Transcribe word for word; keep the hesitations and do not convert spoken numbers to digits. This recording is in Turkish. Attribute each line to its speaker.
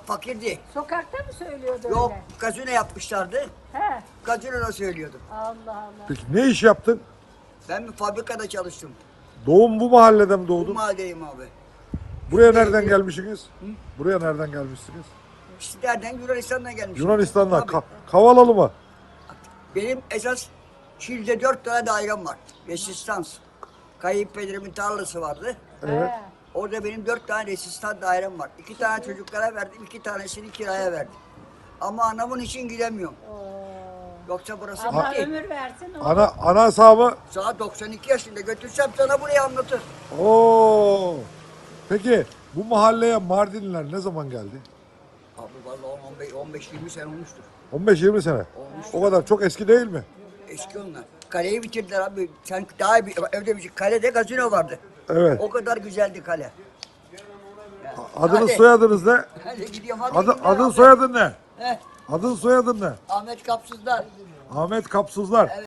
Speaker 1: fakirdi.
Speaker 2: Sokakta mı söylüyordu
Speaker 1: Yok,
Speaker 2: öyle?
Speaker 1: gazino yapmışlardı.
Speaker 2: He.
Speaker 1: Gazinoda söylüyordum.
Speaker 2: Allah Allah.
Speaker 3: Peki ne iş yaptın?
Speaker 1: Ben bir fabrikada çalıştım.
Speaker 3: Doğum bu mahallede mi
Speaker 1: Bu
Speaker 3: doğdun?
Speaker 1: mahalledeyim abi.
Speaker 3: Buraya nereden gelmişsiniz? Buraya nereden gelmişsiniz?
Speaker 1: İşte nereden? Yunanistan'dan gelmişim.
Speaker 3: Yunanistan'dan.
Speaker 1: Tabii.
Speaker 3: Ka- Kavalalı mı?
Speaker 1: Benim esas Şili'de dört tane dairem var. Resistans. Kayınpederimin tarlası vardı.
Speaker 3: Evet.
Speaker 2: He.
Speaker 1: Orada benim dört tane resistan dairem var. İki tane çocuklara verdim, iki tanesini kiraya verdim. Ama anamın için gidemiyorum.
Speaker 2: Oo.
Speaker 1: Yoksa burası
Speaker 2: Allah
Speaker 1: bitti.
Speaker 2: ömür versin. O.
Speaker 3: Ana ana hesabı.
Speaker 1: Saat doksan iki yaşında götürsem sana burayı anlatır.
Speaker 3: Oo. Peki bu mahalleye Mardinliler ne zaman geldi?
Speaker 1: Abi vallahi on beş yirmi sene olmuştur.
Speaker 3: on beş yirmi sene.
Speaker 1: Olmuş.
Speaker 3: O kadar çok eski değil mi?
Speaker 1: Eski onlar. Kaleyi bitirdiler abi. Sen daha bir, evde bir kalede gazino vardı.
Speaker 3: Evet.
Speaker 1: O kadar güzeldi kale. Yani,
Speaker 3: Adınız
Speaker 1: hadi.
Speaker 3: soyadınız ne?
Speaker 1: Hadi gidiyorum hadi.
Speaker 3: Adı,
Speaker 1: gidiyorum
Speaker 3: adın
Speaker 1: abi.
Speaker 3: soyadın ne?
Speaker 1: Heh,
Speaker 3: Adın soyadın ne?
Speaker 1: Ahmet Kapsızlar.
Speaker 3: Ahmet Kapsızlar.